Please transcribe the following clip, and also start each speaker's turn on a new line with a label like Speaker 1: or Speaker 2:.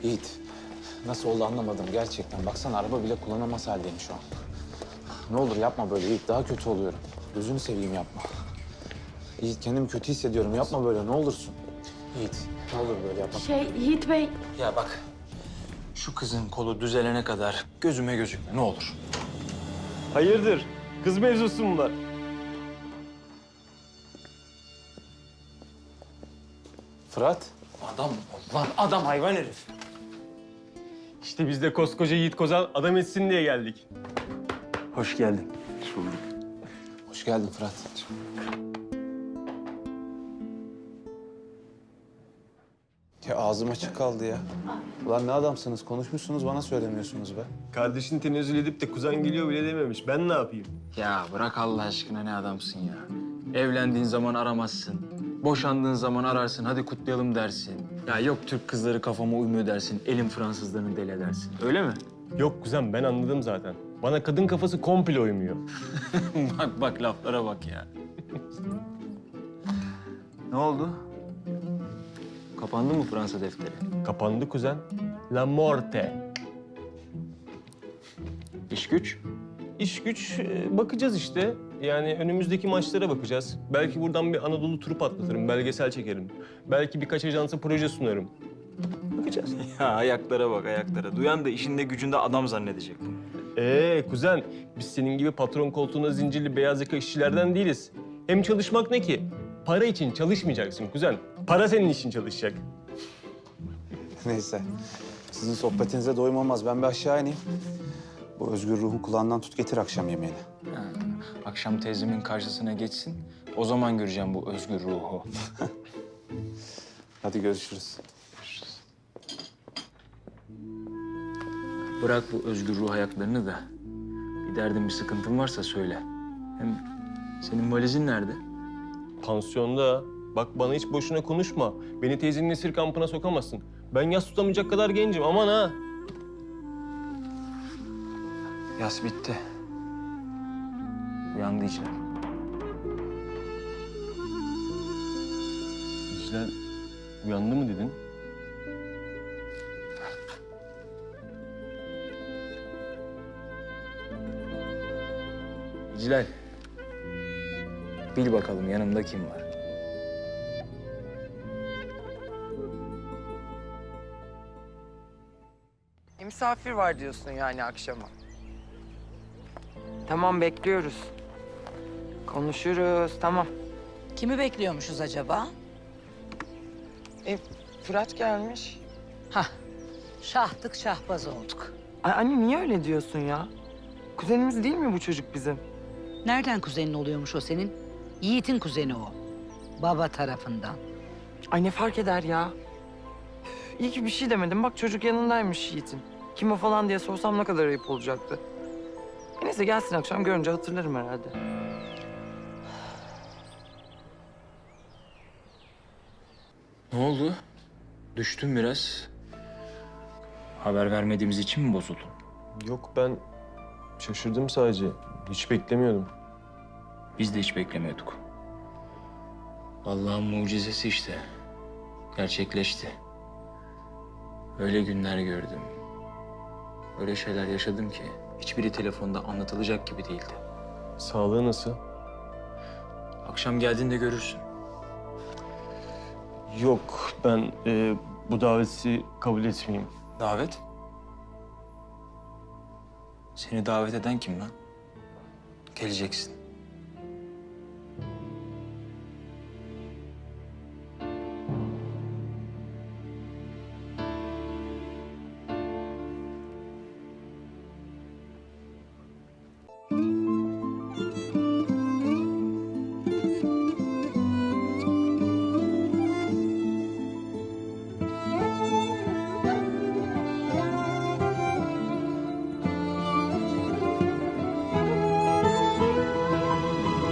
Speaker 1: Yiğit, nasıl oldu anlamadım gerçekten. Baksana araba bile kullanamaz haldeyim şu an. Ne olur yapma böyle Yiğit, daha kötü oluyorum. Gözünü seveyim yapma. Yiğit kendimi kötü hissediyorum, yapma böyle ne olursun. Yiğit, ne olur böyle yapma.
Speaker 2: Yiğit Bey.
Speaker 3: Ya bak, şu kızın kolu düzelene kadar gözüme gözükme ne olur.
Speaker 4: Hayırdır? Kız mevzusu mu var?
Speaker 1: Fırat,
Speaker 3: Adam ol lan, adam hayvan herif.
Speaker 4: İşte biz de koskoca Yiğit Kozan adam etsin diye geldik.
Speaker 3: Hoş geldin.
Speaker 1: hoş geldin Fırat. Ya ağzım açık kaldı ya. Ulan ne adamsınız, konuşmuşsunuz bana söylemiyorsunuz be.
Speaker 4: Kardeşini tenezzül edip de kuzen geliyor bile dememiş. Ben ne yapayım?
Speaker 3: Ya bırak Allah aşkına, ne adamsın ya. Evlendiğin zaman aramazsın. Boşandığın zaman ararsın, hadi kutlayalım dersin. Ya yok Türk kızları kafama uymuyor dersin, elim Fransızlarını deli edersin. Öyle mi?
Speaker 4: Yok kuzen ben anladım zaten. Bana kadın kafası komple uymuyor.
Speaker 3: Bak bak laflara bak ya. Ne oldu? Kapandı mı Fransa defteri?
Speaker 4: Kapandı kuzen. La morte.
Speaker 3: İş güç?
Speaker 4: İş güç bakacağız işte. Yani önümüzdeki maçlara bakacağız. Belki buradan bir Anadolu turu patlatırım, belgesel çekerim. Belki birkaç ajansa proje sunarım. Bakacağız.
Speaker 3: Ya ayaklara bak ayaklara. Duyan da işinde gücünde adam zannedecek bunu.
Speaker 4: Kuzen, biz senin gibi patron koltuğuna zincirli beyaz yaka işçilerden değiliz. Hem çalışmak ne ki? Para için çalışmayacaksın kuzen. Para senin için çalışacak.
Speaker 1: Neyse, sizin sohbetinize doyum olmaz. Ben bir aşağı ineyim. Bu özgür ruhun kulağından tut getir akşam yemeğini.
Speaker 3: Ha, akşam teyzemin karşısına geçsin. O zaman göreceğim bu özgür ruhu.
Speaker 1: Hadi görüşürüz.
Speaker 3: Bırak bu özgür ruh ayaklarını da. Bir derdin, bir sıkıntın varsa söyle. Hem senin valizin nerede?
Speaker 4: Pansiyonda. Bak bana hiç boşuna konuşma. Beni teyzenin esir kampına sokamazsın. Ben yas tutamayacak kadar gencim, aman ha.
Speaker 3: Yas bitti. Uyandı içler.
Speaker 4: İclal uyandı mı dedin?
Speaker 3: Hilal. Bil bakalım yanımda kim var?
Speaker 5: Misafir var diyorsun yani akşama. Tamam bekliyoruz. Konuşuruz tamam.
Speaker 6: Kimi bekliyormuşuz acaba?
Speaker 5: Fırat gelmiş.
Speaker 6: Hah, şahtık şahbaz olduk.
Speaker 5: Ay anne niye öyle diyorsun ya? Kuzenimiz değil mi bu çocuk bizim?
Speaker 6: Nereden kuzenin oluyormuş o senin? Yiğit'in kuzeni o. Baba tarafından.
Speaker 5: Ay ne fark eder ya? Üf, İyi ki bir şey demedim. Bak çocuk yanındaymış Yiğit'in. Kim o falan diye sorsam ne kadar ayıp olacaktı. Neyse gelsin akşam görünce hatırlarım herhalde.
Speaker 3: Ne oldu? Düştün biraz. Haber vermediğimiz için mi bozuldun?
Speaker 4: Yok ben şaşırdım sadece. Hiç beklemiyordum.
Speaker 3: Biz de hiç beklemiyorduk. Allah'ın mucizesi işte. Gerçekleşti. Öyle günler gördüm. Öyle şeyler yaşadım ki hiçbiri telefonda anlatılacak gibi değildi.
Speaker 4: Sağlığı nasıl?
Speaker 3: Akşam geldiğinde görürsün.
Speaker 4: Yok ben bu daveti kabul etmeyeyim.
Speaker 3: Davet? Seni davet eden kim lan? Geleceksin.